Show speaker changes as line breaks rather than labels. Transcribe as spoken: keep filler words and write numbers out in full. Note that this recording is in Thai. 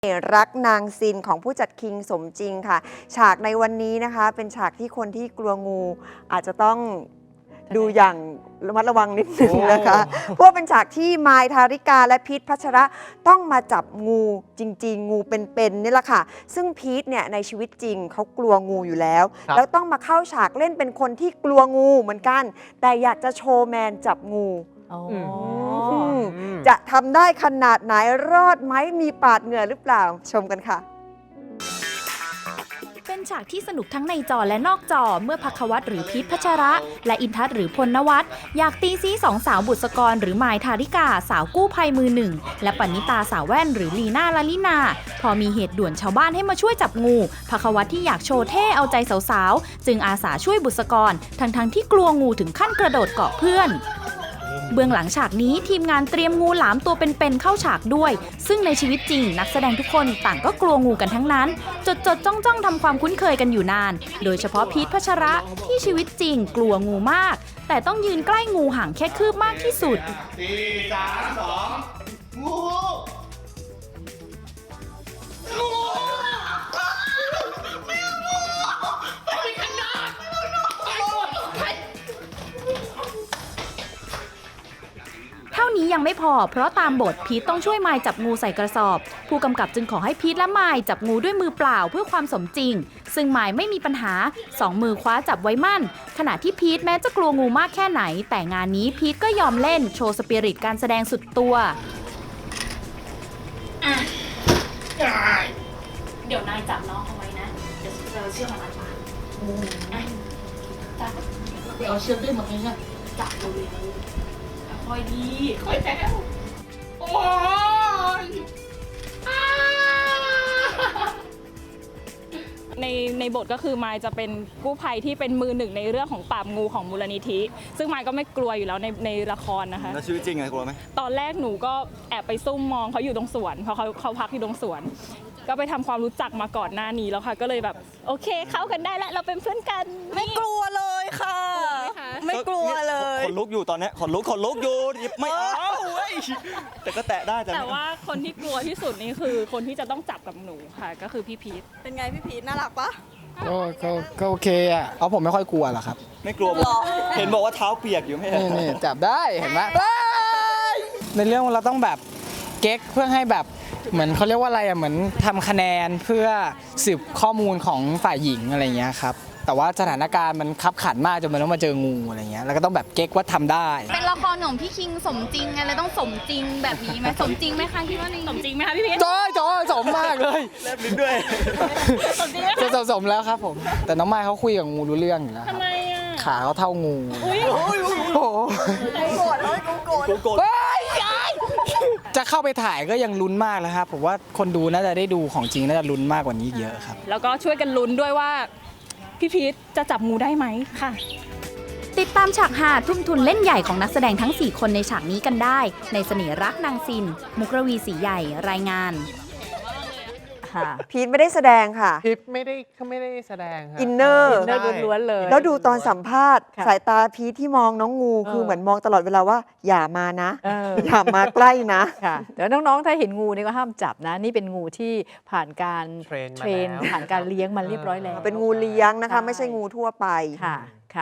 รักนางซินของผู้จัดคิงสมจริงค่ะฉากในวันนี้นะคะเป็นฉากที่คนที่กลัวงูอาจจะต้องดูอย่างระมัดระวังนิดนึงนะคะเพราะเป็นฉากที่มายทาริกาและพีทพัชระต้องมาจับงูจริงๆงูเป็นๆนี่แหละค่ะซึ่งพีทเนี่ยในชีวิตจริงเขากลัวงูอยู่แล้วแล้วต้องมาเข้าฉากเล่นเป็นคนที่กลัวงูเหมือนกันแต่อยากจะโชว์แมนจับงูจะทำได้ขนาดไหนรอดไหมมีปาดเหงื่อหรือเปล่าชมกันค่ะ
เป็นฉากที่สนุกทั้งในจอและนอกจอเมื่อภัควัตหรือพีทพัชระและอินทัศน์หรือพลนวัตอยากตีซีสองสาวบุษกรหรือมายทาริกาสาวกู้ภัยมือหนึ่งและปณิตาสาวแว่นหรือลีน่าลาลินาพอมีเหตุด่วนชาวบ้านให้มาช่วยจับงูภัควัตที่อยากโชว์เท่เอาใจสาวๆจึงอาสาช่วยบุษกรทั้งๆที่กลัวงูถึงขั้นกระโดดเกาะเพื่อนเบื้องหลังฉากนี้ทีมงานเตรียมงูหลามตัวเป็นๆเข้าฉากด้วยซึ่งในชีวิตจริงนักแสดงทุกคนต่างก็กลัวงูกันทั้งนั้นจดจดจ้องจ้องทำความคุ้นเคยกันอยู่นานโดยเฉพาะพีทพัชระที่ชีวิตจริงกลัวงูมากแต่ต้องยืนใกล้งูห่างแค่คืบมากที่สุด
สี่ สาม สองงูงูไม่เอางูไปขนาด
เท่านี้ยังไม่พอเพราะตามบทพีทต้องช่วยมายจับงูใส่กระสอบผู้กำกับจึงขอให้พีทและมายจับงูด้วยมือเปล่าเพื่อความสมจริงซึ่งมายไม่มีปัญหาสองมือคว้าจับไว้มั่นขณะที่พีทแม้จะกลัวงูมากแค่ไหนแต่งานนี้พีทก็ยอมเล่นโชว์สปิริตการแสดงสุดตัวเดี๋ยวนายจับน้องเอาไว้นะเดี๋ยวเราเชื่อมันมาจับไปเอาเชือกด้วยมั้ยเนี่ยจับเลยค่อยดีค่อยแจ๋วโอ้ย
ในในบทก็คือมายจะเป็นกู้ภัยที่เป็นมือหนึ่งในเรื่องของปราบงูของมูลนิธิซึ่งมายก็ไม่กลัวอยู่แล้วในในละครนะคะ
แล้วชีวิตจริงไงกลัวไหม
ตอนแรกหนูก็แอบไปซุ่มมองเขาอยู่ตรงสวนเพราะเขาเขาพักอยู่ตรงสวนก็ไปทำความรู้จักมาก่อนหน้านี้แล้วค่ะก็เลยแบบโอเคเข้ากันได้แล้วเราเป็นเพื่อนกัน
ไม่กลัวเลยค่ะไม่กลัวเลย
ขนลุกอยู่ตอนนี้ขนลุกขนลุกอยู่ไม่เอาเว้ยแต่ก็แตะได้
แต่ว่าคนที่กลัวที่สุดนี่คือคนที่จะต้องจับกับหนูค่ะก็คือพี่พีท
เป็นไงพี่พีทน่ารักปะ
ก็ก็ก็โอเคอ่ะเอาผมไม่ค่อยกลัวหรอกครับ
ไม่กลัวเห็นบอกว่าเท้าเปียกอยู่ไม่ใช่
นี่นี่จับได้เห็นไหมในเรื่องเราต้องแบบเก๊กเพื่อให้แบบเหมือนเขาเรียกว่าอะไรอ่ะเหมือนทำคะแนนเพื่อสืบข้อมูลของฝ่ายหญิงอะไรเงี้ยครับแต่ว่าสถานการณ์มันคับขันมากจนมันต้องมาเจองูอะไรเงี้ยแล้วก็ต้องแบบเก๊กว่าทำได้
เป็นละครของพี่คิงสมจริงไงเลยต้องสมจริงแบบนี้ไหมสมจริงไหมคะคิดว่า
สมจริงไหมคะพี่พีท
จ้อยจ้อยสมมากเลย
แลบลิ้นด้วย
สมจริง
จะสมสมแล้วครับผมแต่น้องไม้เขาคุยกับงูรู้เรื่องอยู่แล้ว
ทำไมอ่ะ
ขาเขาเท่างู
อุ้ย
โอ้โห
โกรธเลยโกรธ
โกรธ
จะเข้าไปถ่ายก็ยังลุ้นมากแล้วครับผมว่าคนดูน่าจะได้ดูของจริงน่าจะลุ้นมากกว่านี้เยอะครับ
แล้วก็ช่วยกันลุ้นด้วยว่าพี่พีทจะจับงูได้ไหมค่ะ
ติดตามฉากหาทุ่มทุนเล่นใหญ่ของนักแสดงทั้งสี่คนในฉากนี้กันได้ในเสน่ห์รักนางซินมุกรวีศรีใหญ่รายงาน
พีทไม่ได้แสดงค่ะ
พีทไม่ได้เขาไม่ได้แสดงค่ะ
อินเนอร์
อินเนอร์ล้วนๆเลย
แล้วดูตอนสัมภาษณ์สายตาพีทที่มองน้องงูคือเหมือนมองตลอดเวลาว่าอย่ามานะอย่ามาใกล้นะ
ค่ะเดี๋ยวน้องๆถ้าเห็นงูนี่ก็ห้ามจับนะนี่เป็นงูที่ผ่านการเทรนผ่านการเลี้ยงมันเรียบร้อยแล้ว
เป็นงูเลี้ยงนะคะไม่ใช่งูทั่วไป
ค่ะ